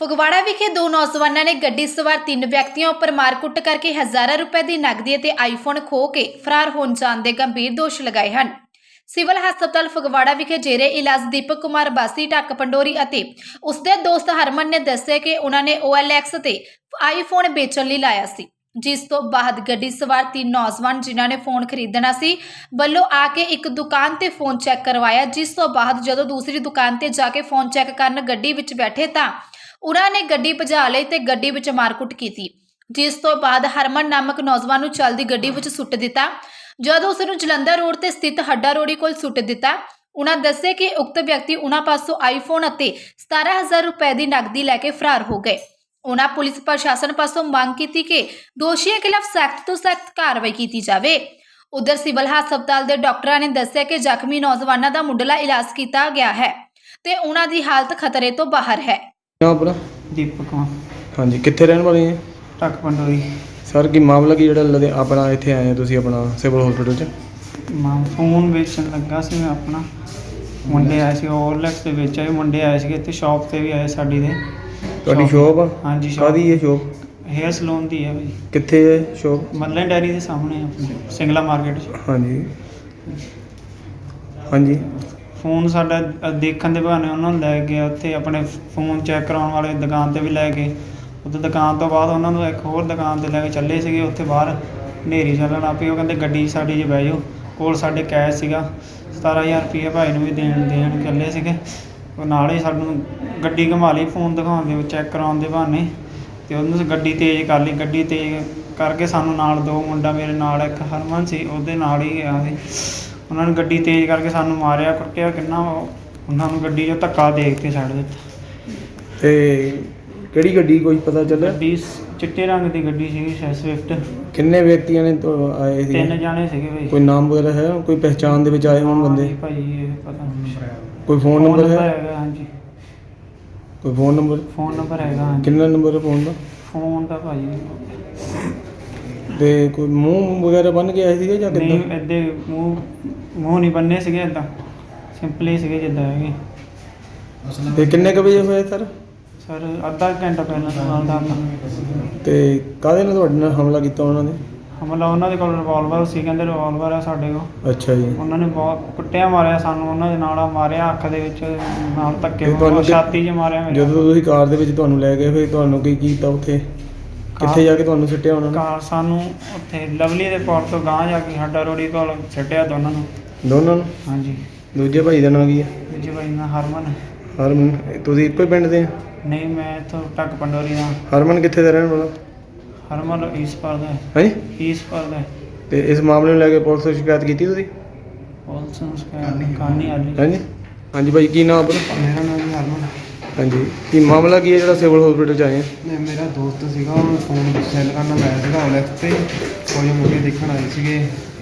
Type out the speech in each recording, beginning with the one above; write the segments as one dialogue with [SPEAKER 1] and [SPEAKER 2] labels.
[SPEAKER 1] ਫਗਵਾੜਾ ਵਿਖੇ ਦੋ ਨੌਜਵਾਨਾਂ ਨੇ ਗੱਡੀ ਸਵਾਰ ਤਿੰਨ ਵਿਅਕਤੀਆਂ ਉੱਪਰ ਮਾਰਕੁੱਟ ਕਰਕੇ ਹਜ਼ਾਰਾਂ ਰੁਪਏ ਦੀ ਨਕਦੀ ਅਤੇ ਆਈਫੋਨ ਖੋਹ ਕੇ ਫਰਾਰ ਹੋਣ ਜਾਣ ਦੇ ਗੰਭੀਰ ਦੋਸ਼ ਲਗਾਏ ਹਨ। ਸਿਵਲ ਹਸਪਤਾਲ ਫਗਵਾੜਾ ਵਿਖੇ ਜੇਰੇ ਇਲਾਜ ਦੀਪਕ ਕੁਮਾਰ ਬਾਸੀ ਢੱਕ ਪੰਡੋਰੀ ਅਤੇ ਉਸਦੇ ਦੋਸਤ ਹਰਮਨ ਨੇ ਦੱਸਿਆ ਕਿ ਉਹਨਾਂ ਨੇ OLX ਤੇ ਆਈਫੋਨ ਵੇਚਣ ਲਈ ਲਾਇਆ ਸੀ, ਜਿਸ ਤੋਂ ਬਾਅਦ ਗੱਡੀ ਸਵਾਰ ਤਿੰਨ ਨੌਜਵਾਨ ਜਿਨ੍ਹਾਂ ਨੇ ਫੋਨ ਖਰੀਦਣਾ ਸੀ ਵੱਲੋਂ ਆ ਕੇ ਇੱਕ ਦੁਕਾਨ ਤੇ ਫੋਨ ਚੈੱਕ ਕਰਵਾਇਆ, ਜਿਸ ਤੋਂ ਬਾਅਦ ਜਦੋਂ ਦੂਸਰੀ ਦੁਕਾਨ ਤੇ ਜਾ ਕੇ ਫੋਨ ਚੈੱਕ ਕਰਨ ਗੱਡੀ ਵਿੱਚ ਬੈਠੇ ਤਾਂ ਉਹਨਾਂ ਨੇ ਗੱਡੀ ਭਜਾ ਲਈ ਤੇ ਗੱਡੀ ਵਿੱਚ ਮਾਰਕੁੱਟ ਕੀਤੀ, ਜਿਸ ਤੋਂ ਬਾਅਦ ਹਰਮਨ ਨਾਮਕ ਨੌਜਵਾਨ ਨੂੰ ਚਲਦੀ ਗੱਡੀ ਵਿੱਚ ਸੁੱਟ ਦਿੱਤਾ। ਜਦੋਂ ਉਸ ਨੂੰ ਜਲੰਧਰ ਰੋਡ ਤੇ ਸਥਿਤ ਹੱਡਾ ਰੋੜੀ ਕੋਲ ਸੁੱਟ ਦਿੱਤਾ। ਉਹਨਾਂ ਦੱਸਿਆ ਕਿ ਉਕਤ ਵਿਅਕਤੀ ਉਹਨਾਂ ਪਾਸੋਂ ਆਈਫੋਨ ਅਤੇ 17,000 ਰੁਪਏ ਦੀ ਨਕਦੀ ਲੈ ਕੇ ਫਰਾਰ ਹੋ ਗਏ। ਉਹਨਾਂ ਪੁਲਿਸ ਪ੍ਰਸ਼ਾਸਨ ਪਾਸੋਂ ਮੰਗ ਕੀਤੀ ਕਿ ਦੋਸ਼ੀਆਂ ਖਿਲਾਫ ਸਖਤ ਤੋਂ ਸਖਤ ਕਾਰਵਾਈ ਕੀਤੀ ਜਾਵੇ। ਉਧਰ ਸਿਵਲ ਹਸਪਤਾਲ ਦੇ ਡਾਕਟਰਾਂ ਨੇ ਦੱਸਿਆ ਕਿ ਜ਼ਖਮੀ ਨੌਜਵਾਨਾਂ ਦਾ ਮੁੱਢਲਾ ਇਲਾਜ ਕੀਤਾ ਗਿਆ ਹੈ ਤੇ ਉਹਨਾਂ ਦੀ ਹਾਲਤ ਖਤਰੇ ਤੋਂ ਬਾਹਰ ਹੈ।
[SPEAKER 2] ਆਪਣਾ
[SPEAKER 3] ਦੀਪਕ ਕੁਮਾਰ
[SPEAKER 2] ਹਾਂਜੀ, ਕਿੱਥੇ ਰਹਿਣ ਵਾਲੇ ਹੈ
[SPEAKER 3] ਢੱਕ ਪੰਡੋਰੀ।
[SPEAKER 2] ਸਰ? ਕੀ ਮਾਮਲਾ ਕੀ ਜਿਹੜਾ ਆਪਣਾ ਇੱਥੇ ਆਏ ਹੋ ਤੁਸੀਂ ਆਪਣਾ ਸਿਵਲ ਹਸਪੀਟਲ 'ਚ?
[SPEAKER 3] ਮੈਂ ਫੋਨ ਵੇਚਣ ਲੱਗਾ ਸੀ। ਮੈਂ ਆਪਣਾ ਮੁੰਡੇ ਆਏ ਸੀ OLX ਦੇ ਵਿੱਚ ਆਏ ਮੁੰਡੇ ਆਏ ਸੀਗੇ ਇੱਥੇ ਸ਼ਾਪ ਤੇ ਵੀ ਆਏ ਸਾਡੀ ਦੇ।
[SPEAKER 2] ਤੁਹਾਡੀ ਸ਼ੋਪ ਆ?
[SPEAKER 3] ਹਾਂਜੀ shop।
[SPEAKER 2] ਕਾਹਦੀ ਹੈ ਸ਼ੋਪ?
[SPEAKER 3] ਹੇਅਰ ਸਲੂਨ ਦੀ ਹੈ ਭਾਈ।
[SPEAKER 2] ਕਿੱਥੇ ਹੈ ਸ਼ੋਪ?
[SPEAKER 3] ਮੱਲਨ ਡੈਰੀ ਦੇ ਸਾਹਮਣੇ ਆਪਣੀ ਸਿੰਗਲਾ ਮਾਰਕੀਟ 'ਚ।
[SPEAKER 2] ਹਾਂਜੀ ਹਾਂਜੀ।
[SPEAKER 3] ਫੋਨ ਸਾਡਾ ਦੇਖਣ ਦੇ ਬਹਾਨੇ ਉਹਨਾਂ ਨੂੰ ਲੈ ਗਏ ਉੱਥੇ ਆਪਣੇ ਫੋਨ ਚੈੱਕ ਕਰਾਉਣ ਵਾਲੇ ਦੁਕਾਨ ਤੇ ਵੀ ਲੈ ਗਏ। ਉੱਥੇ ਦੁਕਾਨ ਤੋਂ ਬਾਅਦ ਉਹਨਾਂ ਨੂੰ ਇੱਕ ਹੋਰ ਦੁਕਾਨ ਤੇ ਲੈ ਕੇ ਚੱਲੇ ਸੀਗੇ। ਉੱਥੇ ਬਾਹਰ ਹਨੇਰੀ ਚੱਲਣ ਲੱਗ ਪਈ। ਉਹ ਕਹਿੰਦੇ ਗੱਡੀ ਸਾਡੀ 'ਚ ਬਹਿ ਜਾਓ। ਕੋਲ ਸਾਡੇ ਕੈਸ਼ ਸੀਗਾ 17,000 ਰੁਪਏ ਭਾਈ ਨੂੰ ਵੀ ਦੇਣ ਚੱਲੇ ਸੀਗੇ। ਉਹ ਨਾਲ ਹੀ ਸਾਨੂੰ ਗੱਡੀ ਘੁਮਾ ਲਈ ਫੋਨ ਦਿਖਾਉਣ ਦੇ ਚੈੱਕ ਕਰਾਉਣ ਦੇ ਬਹਾਨੇ, ਅਤੇ ਉਹਨੂੰ ਗੱਡੀ ਤੇਜ਼ ਕਰ ਲਈ। ਗੱਡੀ ਤੇਜ਼ ਕਰਕੇ ਸਾਨੂੰ ਨਾਲ ਦੋ ਮੁੰਡਾ ਮੇਰੇ ਨਾਲ ਇੱਕ ਹਰਮਨ ਸੀ ਉਹਦੇ ਨਾਲ ਹੀ ਗਿਆ ਸੀ। ਉਹਨਾਂ ਨੇ ਗੱਡੀ ਤੇਜ਼ ਕਰਕੇ ਸਾਨੂੰ ਮਾਰਿਆ ਕੁੱਟਿਆ ਕਿੰਨਾ। ਉਹਨਾਂ ਨੂੰ ਗੱਡੀ 'ਚੋਂ ਧੱਕਾ ਦੇਖ ਕੇ ਛੱਡ ਦਿੱਤਾ।
[SPEAKER 2] ਤੇ ਕਿਹੜੀ ਗੱਡੀ ਕੋਈ ਪਤਾ ਚੱਲਿਆ?
[SPEAKER 3] ਗੱਡੀ ਚਿੱਟੇ ਰੰਗ ਦੀ ਗੱਡੀ ਸੀਗੀ ਸਵਿਫਟ।
[SPEAKER 2] ਕਿੰਨੇ ਵਿਅਕਤੀਆਂ ਨੇ ਆਏ ਸੀ?
[SPEAKER 3] 3 ਜਾਣੇ ਸੀਗੇ ਭਾਈ।
[SPEAKER 2] ਕੋਈ ਨਾਮ ਵਗੈਰਾ ਹੈ? ਕੋਈ ਪਹਿਚਾਣ ਦੇ ਵਿੱਚ ਆਏ ਹੋਣ ਬੰਦੇ?
[SPEAKER 3] ਭਾਈ ਇਹ ਪਤਾ ਨਹੀਂ।
[SPEAKER 2] ਕੋਈ ਫੋਨ ਨੰਬਰ ਹੈ?
[SPEAKER 3] ਹੈਗਾ ਹਾਂਜੀ।
[SPEAKER 2] ਕੋਈ ਫੋਨ ਨੰਬਰ
[SPEAKER 3] ਹੈਗਾ ਹਾਂਜੀ।
[SPEAKER 2] ਕਿੰਨਾ ਨੰਬਰ ਹੈ ਫੋਨ ਦਾ?
[SPEAKER 3] ਫੋਨ ਦਾ ਭਾਈ
[SPEAKER 2] ਤੇ ਕੋਈ ਮੂੰਹ ਵਗੈਰਾ ਬੰਨ ਕੇ ਆਏ ਸੀਗੇ ਜਾਂ
[SPEAKER 3] ਨਹੀਂ,
[SPEAKER 2] ਕਿੱਦਾਂ?
[SPEAKER 3] ਇੱਦਾਂ ਮੂੰਹ ਨਹੀਂ ਬੰਨੇ ਸੀਗੇ, ਇੱਦਾਂ ਸਿੰਪਲੀ ਸੀਗੇ ਜਿੱਦਾਂ ਹੈਗੇ।
[SPEAKER 2] ਤੇ ਕਿੰਨੇ ਕੁ ਵਜੇ ਹੋਏ ਸਰ?
[SPEAKER 3] ਸਰ ਅੱਧਾ ਘੰਟਾ ਪਹਿਲਾਂ ਨਾਲ ਦਾ
[SPEAKER 2] ਤੇ ਕਾਹਦੇ ਨਾਲ ਤੁਹਾਡੇ ਨਾਲ ਹਮਲਾ ਕੀਤਾ ਉਹਨਾਂ ਨੇ?
[SPEAKER 3] ਹਮਲਾ ਉਹਨਾਂ ਦੇ ਕੋਲ ਰਿਵਾਲਵਰ ਸੀ। ਕਹਿੰਦੇ ਰਿਵਾਲਵਰ ਆ ਸਾਡੇ ਕੋਲ।
[SPEAKER 2] ਅੱਛਾ ਜੀ।
[SPEAKER 3] ਉਹਨਾਂ ਨੇ ਬਹੁਤ ਕੁੱਟਿਆ ਮਾਰਿਆ ਸਾਨੂੰ। ਉਹਨਾਂ ਦੇ ਨਾਲ ਮਾਰਿਆ ਅੱਖ ਦੇ ਵਿੱਚ ਨਾਲ ਧੱਕੇ,
[SPEAKER 2] ਤੇ ਤੁਹਾਨੂੰ
[SPEAKER 3] ਛਾਤੀ 'ਚ ਮਾਰਿਆ ਮੇਰੇ।
[SPEAKER 2] ਜਦੋਂ ਤੁਸੀਂ ਕਾਰ ਦੇ ਵਿੱਚ ਤੁਹਾਨੂੰ ਲੈ ਗਏ ਫਿਰ ਤੁਹਾਨੂੰ ਕੀ ਕੀਤਾ ਉੱਥੇ? ਕਿੱਥੇ ਜਾ ਕੇ ਤੁਹਾਨੂੰ ਸੁੱਟਿਆ ਉਹਨਾਂ ਨੇ?
[SPEAKER 3] ਕਾਰ ਸਾਨੂੰ ਉੱਥੇ ਲਵਲੀ ਦੇ ਪੌੜ ਤੋਂ ਗਾਂਹ ਜਾ ਕੇ ਹੱਡਾ ਰੋੜੀ ਕੋਲ ਸੁੱਟਿਆ ਦੋਨਾਂ ਨੂੰ।
[SPEAKER 2] ਦੋਨਾਂ ਨੂੰ?
[SPEAKER 3] ਹਾਂਜੀ।
[SPEAKER 2] ਦੂਜੇ ਭਾਈ ਦਾ ਨਾਂ ਕੀ ਹੈ?
[SPEAKER 3] ਦੂਜੇ ਭਾਈ ਨਾਲ ਹਰਮਨ।
[SPEAKER 2] ਹਰਮਨ? ਤੁਸੀਂ ਇੱਕੋ ਹੀ ਪਿੰਡ ਦੇ?
[SPEAKER 3] ਨਹੀਂ, ਮੈਂ ਇੱਥੋਂ ਢੱਕ ਪੰਡੋਰੀ ਦਾ।
[SPEAKER 2] ਹਰਮਨ ਕਿੱਥੇ ਦਾ ਰਹਿਣ ਵਾਲਾ?
[SPEAKER 3] ਹਰਮਨ ਈਸਪੁਰ ਦਾ।
[SPEAKER 2] ਹਾਂਜੀ।
[SPEAKER 3] ਈਸਪੁਰ ਦਾ।
[SPEAKER 2] ਤੇ ਇਸ ਮਾਮਲੇ ਨੂੰ ਲੈ ਕੇ ਪੁਲਿਸ ਨੂੰ ਸ਼ਿਕਾਇਤ ਕੀਤੀ ਤੁਸੀਂ?
[SPEAKER 3] ਪੁਲਿਸ ਨੂੰ ਸ਼ਿਕਾਇਤ ਕਰਨੀ ਆਲੀ।
[SPEAKER 2] ਹਾਂਜੀ ਹਾਂਜੀ ਭਾਈ, ਕੀ ਨਾਮ ਆਪਣਾ?
[SPEAKER 3] ਮੇਰਾ ਨਾਮ ਜੀ ਹਰਮਨ।
[SPEAKER 2] ਹਾਂਜੀ, ਕੀ ਮਾਮਲਾ ਕੀ ਹੈ ਜਿਹੜਾ ਸਿਵਲ ਹਸਪੀਟਲ 'ਚ ਆਏ ਆ?
[SPEAKER 4] ਮੇਰਾ ਦੋਸਤ ਸੀਗਾ, ਉਹਨੂੰ ਫੋਨ ਸੈੱਲ ਕਰਨਾ ਲਾਇਆ ਸੀਗਾ OLX ਤੇ। ਕੁਝ ਮੁੰਡੇ ਦੇਖਣ ਆਏ ਸੀਗੇ।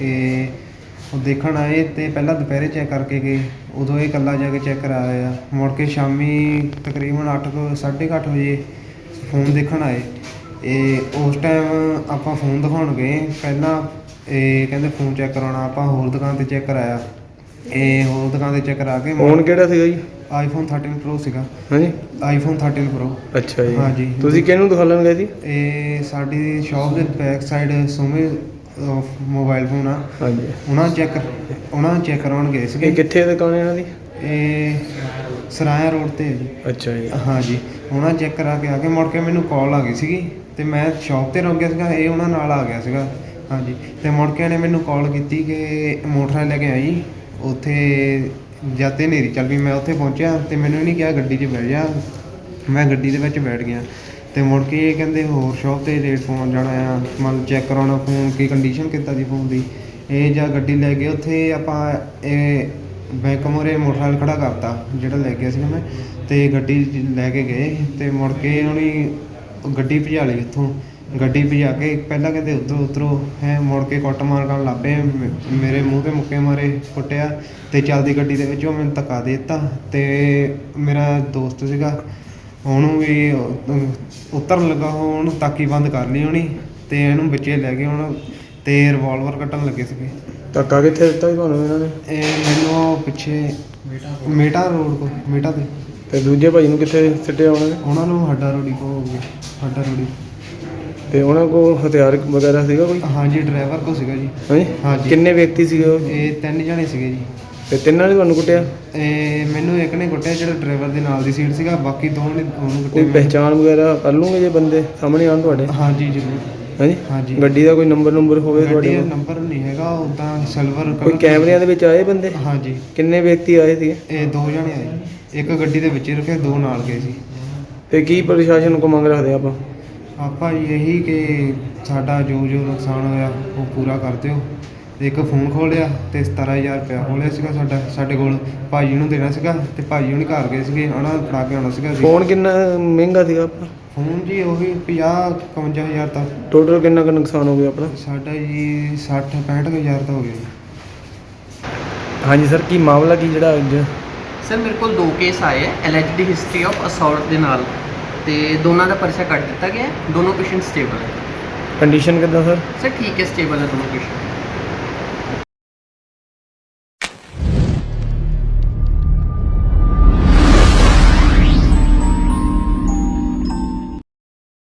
[SPEAKER 4] ਉਹ ਦੇਖਣ ਆਏ ਤੇ ਪਹਿਲਾਂ ਦੁਪਹਿਰੇ ਚੈੱਕ ਕਰਕੇ ਗਏ। ਉਦੋਂ ਇਹ ਇਕੱਲਾ ਜਾ ਕੇ ਚੈੱਕ ਕਰਾਇਆ। ਮੁੜ ਕੇ ਸ਼ਾਮੀ ਤਕਰੀਬਨ 8:30 ਵਜੇ ਫੋਨ ਦੇਖਣ ਆਏ। ਉਸ ਟਾਈਮ ਆਪਾਂ ਫੋਨ ਦਿਖਾਉਣ ਗਏ। ਪਹਿਲਾਂ ਇਹ ਕਹਿੰਦੇ ਫੋਨ ਚੈੱਕ ਕਰਾਉਣਾ। ਆਪਾਂ ਹੋਰ ਦੁਕਾਨ 'ਤੇ ਚੈੱਕ ਕਰਾਇਆ। ਹੋਰ ਦੁਕਾਨ 'ਤੇ ਚੈੱਕ ਕਰਾ ਕੇ
[SPEAKER 2] ਫੋਨ ਕਿਹੜਾ ਸੀਗਾ ਜੀ?
[SPEAKER 4] iPhone 13 Pro ਸੀਗਾ।
[SPEAKER 2] ਹਾਂਜੀ,
[SPEAKER 4] iPhone 13 Pro।
[SPEAKER 2] ਅੱਛਾ ਜੀ।
[SPEAKER 4] ਹਾਂਜੀ।
[SPEAKER 2] ਤੁਸੀਂ ਕਿਹਨੂੰ ਦਿਖਾਉਣ ਗਏ ਸੀ?
[SPEAKER 4] ਇਹ ਸਾਡੀ ਸ਼ਾਪ ਦੇ ਬੈਕ ਸਾਈਡ ਸੋਮੇ ਮੋਬਾਈਲ ਫੋਨ ਆ।
[SPEAKER 2] ਹਾਂਜੀ।
[SPEAKER 4] ਉਹਨਾਂ ਨੂੰ ਚੈੱਕ ਕਰਾਉਣ ਗਏ
[SPEAKER 2] ਇਹ
[SPEAKER 4] ਸੀਗੇ।
[SPEAKER 2] ਕਿੱਥੇ ਦੁਕਾਨ ਹੈ ਇਹਨਾਂ ਦੀ?
[SPEAKER 4] ਇਹ ਸਰਾਇਆ ਰੋਡ 'ਤੇ ਹੈ ਜੀ।
[SPEAKER 2] ਅੱਛਾ ਜੀ।
[SPEAKER 4] ਹਾਂਜੀ। ਉਹਨਾਂ ਚੈੱਕ ਕਰਾ ਕੇ ਆ ਕੇ ਮੁੜ ਕੇ ਮੈਨੂੰ ਕਾਲ ਆ ਗਈ ਸੀਗੀ ਅਤੇ ਮੈਂ ਸ਼ਾਪ 'ਤੇ ਰੁਕ ਗਿਆ ਸੀਗਾ। ਇਹ ਉਹਨਾਂ ਨਾਲ ਆ ਗਿਆ ਸੀਗਾ। ਹਾਂਜੀ। ਅਤੇ ਮੁੜ ਕੇ ਇਹਨੇ ਮੈਨੂੰ ਕਾਲ ਕੀਤੀ ਕਿ ਮੋਟਰਸਾਈਕਲ ਲੈ ਕੇ ਆਈ। ਉੱਥੇ ਜਦ ਤੇ ਹਨੇਰੀ ਚੱਲ ਪਈ। ਮੈਂ ਉੱਥੇ ਪਹੁੰਚਿਆ ਅਤੇ ਮੈਨੂੰ ਨਹੀਂ ਕਿਹਾ ਗੱਡੀ 'ਚ ਬਹਿ ਜਾ। ਮੈਂ ਗੱਡੀ ਦੇ ਵਿੱਚ ਬੈਠ ਗਿਆ ਅਤੇ ਮੁੜ ਕੇ ਇਹ ਕਹਿੰਦੇ ਹੋਰ ਸ਼ਾਪ 'ਤੇ ਰੇਟ ਫੋਨ ਜਾਣਾ ਆ, ਮਤਲਬ ਚੈੱਕ ਕਰਾਉਣਾ ਫੋਨ ਕੀ ਕੰਡੀਸ਼ਨ ਕਿੱਦਾਂ ਦੀ ਫੋਨ ਦੀ। ਇਹ ਜਾਂ ਗੱਡੀ ਲੈ ਕੇ ਉੱਥੇ ਆਪਾਂ ਇਹ ਬੈਂਕ ਮੂਹਰੇ ਮੋਟਰਸਾਈਕਲ ਖੜ੍ਹਾ ਕਰਤਾ ਜਿਹੜਾ ਲੈ ਗਿਆ ਸੀਗਾ ਮੈਂ, ਅਤੇ ਗੱਡੀ ਲੈ ਕੇ ਗਏ ਅਤੇ ਮੁੜ ਕੇ ਉਹਨੇ ਗੱਡੀ ਭਜਾ ਲਈ ਉੱਥੋਂ। ਗੱਡੀ ਭਜਾ ਕੇ ਪਹਿਲਾਂ ਕਹਿੰਦੇ ਉਤਰੋ ਹੈ। ਮੁੜ ਕੇ ਕੁੱਟਮਾਰ ਕਰਨ ਲੱਗ ਪਏ। ਮੇਰੇ ਮੂੰਹ 'ਤੇ ਮੁੱਕੇ ਮਾਰੇ, ਕੁੱਟਿਆ ਅਤੇ ਚੱਲਦੀ ਗੱਡੀ ਦੇ ਵਿੱਚ ਉਹ ਮੈਨੂੰ ਧੱਕਾ ਦੇ ਦਿੱਤਾ। ਅਤੇ ਮੇਰਾ ਦੋਸਤ ਸੀਗਾ ਉਹਨੂੰ ਵੀ ਉਤਰਨ ਲੱਗਾ। ਉਹਨੂੰ ਤਾਕੀ ਬੰਦ ਕਰ ਲਈ ਹੋਣੀ ਅਤੇ ਇਹਨੂੰ ਵਿੱਚੇ ਲੈ ਗਏ ਹੁਣ ਅਤੇ ਰਿਵਾਲਵਰ ਕੱਢਣ ਲੱਗੇ ਸੀਗੇ।
[SPEAKER 2] ਧੱਕਾ ਕਿੱਥੇ ਦਿੱਤਾ ਸੀ ਤੁਹਾਨੂੰ ਇਹਨਾਂ ਨੇ?
[SPEAKER 4] ਇਹ ਮੈਨੂੰ ਪਿੱਛੇ ਮੇਟਾ ਰੋਡ ਕੋਲ, ਮੇਟਾ 'ਤੇ।
[SPEAKER 2] ਤੇ ਦੂਜੇ ਭਾਈ ਨੂੰ ਕਿੱਥੇ ਸਿੱਟਿਆ ਉਹਨਾਂ ਨੇ?
[SPEAKER 4] ਉਹਨਾਂ ਨੂੰ ਹੱਡਾ ਰੋੜੀ ਕੋ ਹੋ ਗਿਆ, ਹੱਡਾ ਰੋੜੀ।
[SPEAKER 2] ਤੇ ਉਹਨਾਂ ਕੋਲ ਹਥਿਆਰ ਵਗੈਰਾ ਸੀਗਾ ਕੋਈ?
[SPEAKER 4] ਹਾਂਜੀ ਡਰਾਈਵਰ ਕੋ ਸੀਗਾ ਜੀ।
[SPEAKER 2] ਹਾਂਜੀ
[SPEAKER 4] ਹਾਂਜੀ।
[SPEAKER 2] ਕਿੰਨੇ ਵਿਅਕਤੀ ਸੀਗੇ ਉਹ?
[SPEAKER 4] ਇਹ 3 ਜਣੇ ਸੀਗੇ ਜੀ।
[SPEAKER 2] ਤੇ ਤਿੰਨਾਂ ਨੇ ਤੁਹਾਨੂੰ ਕੁੱਟਿਆ?
[SPEAKER 4] ਮੈਨੂੰ ਇੱਕ ਨੇ ਕੁੱਟਿਆ ਜਿਹੜਾ ਡਰਾਈਵਰ ਦੇ ਨਾਲ ਦੀ ਸੀਟ ਸੀਗਾ, ਬਾਕੀ ਦੋ ਨੇ ਉਹਨੂੰ
[SPEAKER 2] ਕੋਈ
[SPEAKER 4] ਕੁੱਟਿਆ।
[SPEAKER 2] ਪਹਿਚਾਣ ਵਗੈਰਾ ਕਰ ਲੂਗੇ ਜੇ ਬੰਦੇ ਸਾਹਮਣੇ ਆਉਣ ਤੁਹਾਡੇ?
[SPEAKER 4] ਹਾਂਜੀ ਜ਼ਰੂਰ।
[SPEAKER 2] ਹਾਂਜੀ
[SPEAKER 4] ਹਾਂਜੀ।
[SPEAKER 2] ਗੱਡੀ ਦਾ ਕੋਈ ਨੰਬਰ ਹੋਵੇ
[SPEAKER 4] ਗੱਡੀ
[SPEAKER 2] ਤੁਹਾਡੇ
[SPEAKER 4] ਦਾ
[SPEAKER 2] ਕੋਲ?
[SPEAKER 4] ਨੰਬਰ ਨਹੀਂ ਹੈਗਾ, ਉਦਾਂ ਸਿਲਵਰ
[SPEAKER 2] ਕੋਈ ਕੈਮਰਿਆਂ ਦੇ ਵਿੱਚ ਆਏ ਬੰਦੇ?
[SPEAKER 4] ਹਾਂਜੀ।
[SPEAKER 2] ਕਿੰਨੇ ਵਿਅਕਤੀ ਆਏ ਸੀਗੇ?
[SPEAKER 4] ਇਹ 2 ਜਣੇ ਆਏ, ਇੱਕ ਗੱਡੀ ਦੇ ਵਿੱਚ ਹੀ ਰੱਖਿਆ, 2 ਨਾਲ ਗਏ ਸੀ।
[SPEAKER 2] ਤੇ ਕੀ ਪ੍ਰਸ਼ਾਸਨ ਕੋ ਮੰਗ ਰੱਖਦੇ ਆਪਾਂ?
[SPEAKER 4] ਆਪਾਂ ਜੀ ਇਹੀ ਕਿ ਸਾਡਾ ਜੋ ਨੁਕਸਾਨ ਹੋਇਆ ਉਹ ਪੂਰਾ ਕਰ ਦਿਓ। ਤੇ ਇੱਕ ਫੋਨ ਖੋਲਿਆ ਤੇ 17000 ਰੁਪਇਆ ਖੋਲਿਆ ਸੀਗਾ ਸਾਡੇ ਕੋਲ, ਭਾਜੀ ਨੂੰ ਦੇਣਾ ਸੀਗਾ ਤੇ ਭਾਜੀ ਹੁਣੀ ਘਰ ਗਏ ਸੀਗੇ, ਉਹਨਾਂ ਨੂੰ ਫੜਾ ਕੇ ਆਉਣਾ ਸੀਗਾ।
[SPEAKER 2] ਫੋਨ ਕਿੰਨਾ ਮਹਿੰਗਾ ਸੀਗਾ ਆਪਣਾ?
[SPEAKER 4] ਫੋਨ ਜੀ ਉਹੀ 50-51000 ਤੱਕ।
[SPEAKER 2] ਟੋਟਲ ਕਿੰਨਾ ਕੁ ਨੁਕਸਾਨ ਹੋ ਗਿਆ ਆਪਣਾ?
[SPEAKER 4] ਸਾਡਾ ਜੀ 60-65 ਦਾ ਹੋ ਗਿਆ ਜੀ।
[SPEAKER 2] ਹਾਂਜੀ ਸਰ, ਕੀ ਮਾਮਲਾ ਕੀ ਜਿਹੜਾ ਅੱਜ?
[SPEAKER 5] ਸਰ ਮੇਰੇ ਕੋਲ 2 ਕੇਸ ਆਏ ਹੈ ਐਲਐਚਡੀ ਹਿਸਟਰੀ ਆਫ ਅਸੌਲਟ ਦੇ ਨਾਲ, ਤੇ ਦੋਨਾਂ ਦਾ ਪਰਚਾ ਕੱਟ ਦਿੱਤਾ ਗਿਆ ਹੈ। ਦੋਨੋਂ ਪੇਸ਼ੈਂਟ ਸਟੇਬਲ ਹੈ।
[SPEAKER 2] ਕੰਡੀਸ਼ਨ ਕਿੱਦਾਂ ਸਰ?
[SPEAKER 5] ਸਰ ਠੀਕ ਹੈ, ਸਟੇਬਲ ਹੈ ਦੋਨੋਂ ਪੇਸ਼ੈਂਟ।